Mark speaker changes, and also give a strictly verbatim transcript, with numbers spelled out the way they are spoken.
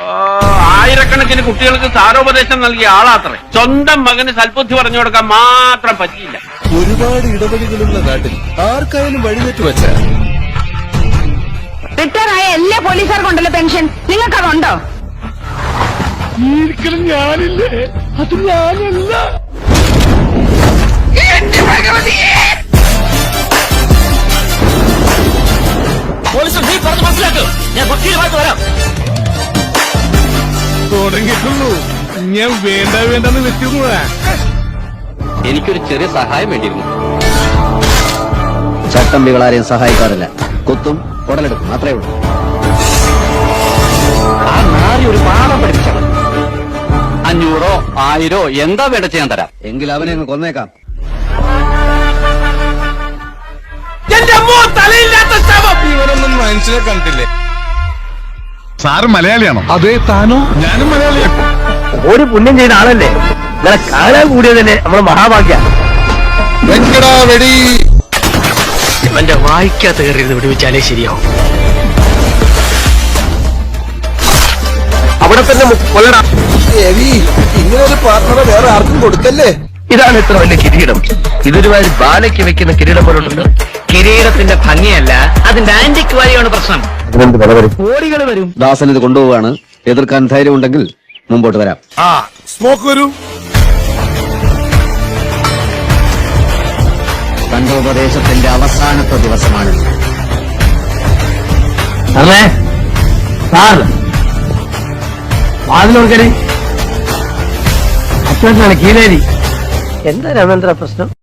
Speaker 1: ആയിരക്കണക്കിന് കുട്ടികൾക്ക് സാരോപദേശം നൽകിയ ആളാത്രേ. സ്വന്തം മകന് സൽബുദ്ധി പറഞ്ഞു കൊടുക്കാൻ മാത്രം പറ്റിയില്ല.
Speaker 2: ഒരുപാട് ഇടപെടലുകളുള്ള നാട്ടിൽ ആർക്കായാലും വഴിതെറ്റ് വെച്ച
Speaker 3: റിട്ടയർ ആയ എല്ലാ പോലീസുകാർക്കുണ്ടല്ലോ പെൻഷൻ, നിങ്ങൾക്കതുണ്ടോ?
Speaker 2: ഞാനില്ലേ? അത് ഞാനല്ല. തുടങ്ങിയിട്ടുള്ളൂ. ഞാൻ വേണ്ട വേണ്ടെന്ന് വെച്ചിരുന്നതാ.
Speaker 4: എനിക്കൊരു ചെറിയ സഹായം വേണ്ടിയിരുന്നു.
Speaker 5: ചട്ടമ്പികളാരെയും സഹായിക്കാറില്ല. കുത്തും ഉടലെടുക്കും, അത്രേ ഉള്ളൂ.
Speaker 4: ആ നാരി ഒരു പാഠം പഠിപ്പിച്ചാണ്. അഞ്ഞൂറോ ആയിരോ എന്താ വേണ്ട ചെയ്യാൻ തരാം.
Speaker 5: എങ്കിൽ അവനെ അങ്ങ് കൊന്നേക്കാം.
Speaker 2: ഇവരൊന്നും മനുഷ്യനെ കണ്ടില്ലേ?
Speaker 6: സാറ് മലയാളിയാണോ? അതെ. താനോ? ഞാനും മലയാളിയാണ്.
Speaker 7: ഒരു പുണ്യം ചെയ്ത ആളല്ലേ, നിങ്ങളെ കാണാൻ കൂടിയതല്ലേ നമ്മളെ മഹാഭാഗ്യ.
Speaker 2: വെങ്കടാ വെടി.
Speaker 7: ഇവന്റെ വായിക്കാത്ത കയറിയിരുന്ന് വിടുവിച്ചാലേ ശരിയാവും. അവിടെ തന്നെ കൊല്ലടാ.
Speaker 2: ഇങ്ങനെ ഒരു പാർട്ണറെ വേറെ ആർക്കും കൊടുക്കല്ലേ.
Speaker 7: ഇതാണ് ഇത്ര വലിയ കിരീടം. ഇതൊരുമാതിരി ബാലയ്ക്ക് വെക്കുന്ന കിരീടം പോലുണ്ടല്ലോ. കിരീടത്തിന്റെ ഭംഗിയല്ല, അതിന്റെ ആന്റിക് വാല്യാണ് പ്രശ്നം. കോടികൾ വരും.
Speaker 5: ദാസൻ ഇത് കൊണ്ടുപോവാണ്. എതിർക്കാൻ ധൈര്യം ഉണ്ടെങ്കിൽ മുമ്പോട്ട് വരാം.
Speaker 2: ആ സ്മോക്ക് വരൂ.
Speaker 5: കണ്ടോപദേശത്തിന്റെ അവസാനത്തെ ദിവസമാണ്.
Speaker 7: അല്ലേ സാർ വാതിലോർക്കനെ അച്ഛനാണ് കീലേരി. എന്താ രാമേന്ദ്ര പ്രശ്നം?